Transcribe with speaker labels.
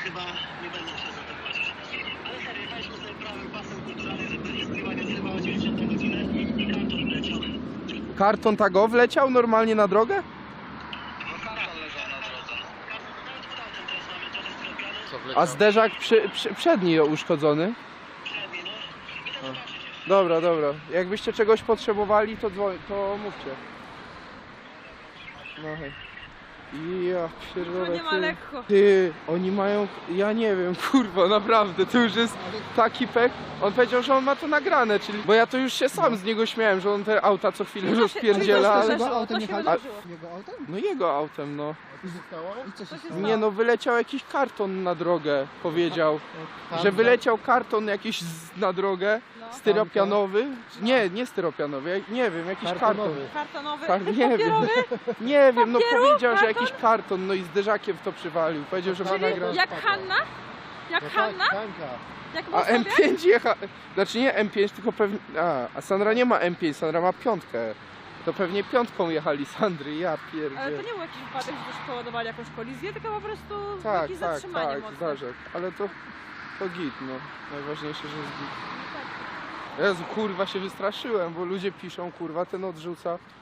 Speaker 1: chyba nie będę się za to płacić. Ale serio, jechaliśmy sobie prawym pasem kulturalnym, żeby nie skrywać, więc chyba o 90 na godzinę i karton wleciał.
Speaker 2: Karton tago wleciał normalnie na drogę?
Speaker 1: No karton leżał na drodze. Karton, nawet pod autem teraz mamy trochę sklepiany.
Speaker 3: Co wleciał?
Speaker 2: A zderzak przedni uszkodzony?
Speaker 1: Przedni, no. I to zobaczyć jeszcze.
Speaker 2: Dobra, dobra. Jakbyście czegoś potrzebowali, to mówcie. No hej. Ja pierdolę,
Speaker 4: nie ma
Speaker 2: ty.
Speaker 4: lekko.
Speaker 2: Ty, oni mają, ja nie wiem, kurwa, naprawdę, to już jest taki pek. On powiedział, że on ma to nagrane, czyli, bo ja to już się sam z niego śmiałem, że on te auta co chwilę rozpierdziela, ale...
Speaker 4: Jego
Speaker 5: autem
Speaker 4: to się
Speaker 5: jechali?
Speaker 4: wydarzyło.
Speaker 5: Jego autem?
Speaker 2: No jego autem, no.
Speaker 5: I zostało? I co się
Speaker 4: się
Speaker 5: stało?
Speaker 4: stało?
Speaker 2: Nie no, wyleciał jakiś karton na drogę, powiedział.
Speaker 5: Tam,
Speaker 2: Że wyleciał karton jakiś na drogę,
Speaker 4: No.
Speaker 2: styropianowy. Nie styropianowy, nie wiem, jakiś karton.
Speaker 5: Kartonowy.
Speaker 4: Kartonowy,
Speaker 2: Nie wiem,
Speaker 4: papierowy.
Speaker 2: nie wiem, no
Speaker 4: Papieru?
Speaker 2: powiedział, że
Speaker 4: Karton?
Speaker 2: jakiś karton, no i zderzakiem w to przywalił. Powiedział, że ma
Speaker 4: Czyli
Speaker 2: nagrać.
Speaker 4: jak Hanna? Jak
Speaker 5: No tak,
Speaker 4: Hanna?
Speaker 5: Hanka.
Speaker 4: Jak
Speaker 2: A
Speaker 4: Włosowia?
Speaker 2: M5 jecha... Znaczy nie M5, tylko pewnie... A Sandra nie ma M5, Sandra ma piątkę. To pewnie piątką jechali Sandry, ja
Speaker 4: Ale
Speaker 2: pierdzie.
Speaker 4: to nie był jakiś wypadek, że też spowodowali jakąś kolizję, tylko po prostu
Speaker 2: Tak,
Speaker 4: jakieś
Speaker 2: tak,
Speaker 4: zatrzymanie
Speaker 2: tak,
Speaker 4: mocne.
Speaker 2: zdarzek. Ale to git, no. Najważniejsze, że jest git.
Speaker 4: No tak.
Speaker 2: Jezu, kurwa się wystraszyłem, bo ludzie piszą, kurwa, ten odrzuca.